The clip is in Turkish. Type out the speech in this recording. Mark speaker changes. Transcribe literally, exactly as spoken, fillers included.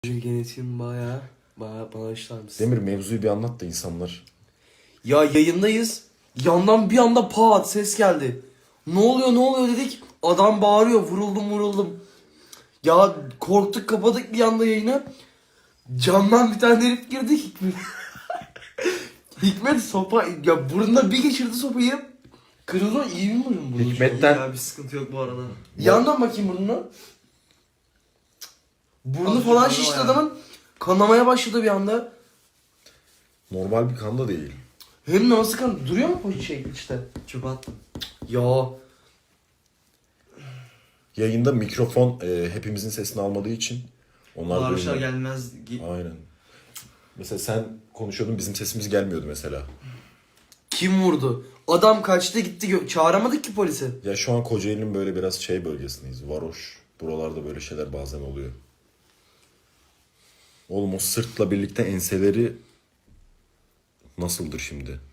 Speaker 1: Genetiğim baya baya bağışlar mısın?
Speaker 2: Demir, mevzuyu bir anlat da insanlar.
Speaker 1: Ya yayındayız. Yandan bir anda pat ses geldi. Ne oluyor ne oluyor dedik. Adam bağırıyor, vuruldum vuruldum. Ya korktuk, kapadık bir anda yayını. Camdan bir tane herif girdi, Hikmet. Hikmet sopa ya burnuna bir geçirdi sopayı. Kırıldı, iyi mi burun burnu?
Speaker 2: Hikmet'ten-
Speaker 3: Ya bir sıkıntı yok bu arada.
Speaker 1: Yandan bakayım burnuna. Burnu
Speaker 3: Azıcık
Speaker 1: falan
Speaker 3: kanama
Speaker 1: şişti
Speaker 3: ya.
Speaker 1: adamın. Kanamaya başladı bir anda.
Speaker 2: Normal bir kan da değil.
Speaker 1: Hem nasıl kan duruyor mu bu şey işte?
Speaker 3: Çöpe attım.
Speaker 1: Ya
Speaker 2: Yayında mikrofon e, hepimizin sesini almadığı için onlar
Speaker 3: Bağırışlar
Speaker 2: duymuyor.
Speaker 3: gelmez. Gi-
Speaker 2: Aynen. Mesela sen konuşuyordun, bizim sesimiz gelmiyordu mesela.
Speaker 1: kim vurdu? Adam kaçtı gitti. Gö- Çağıramadık ki polisi.
Speaker 2: Ya şu an Kocaeli'nin böyle biraz şey bölgesindeyiz. Varoş. Buralarda böyle şeyler bazen oluyor. Oğlum o sırtla birlikte enseleri nasıldır şimdi?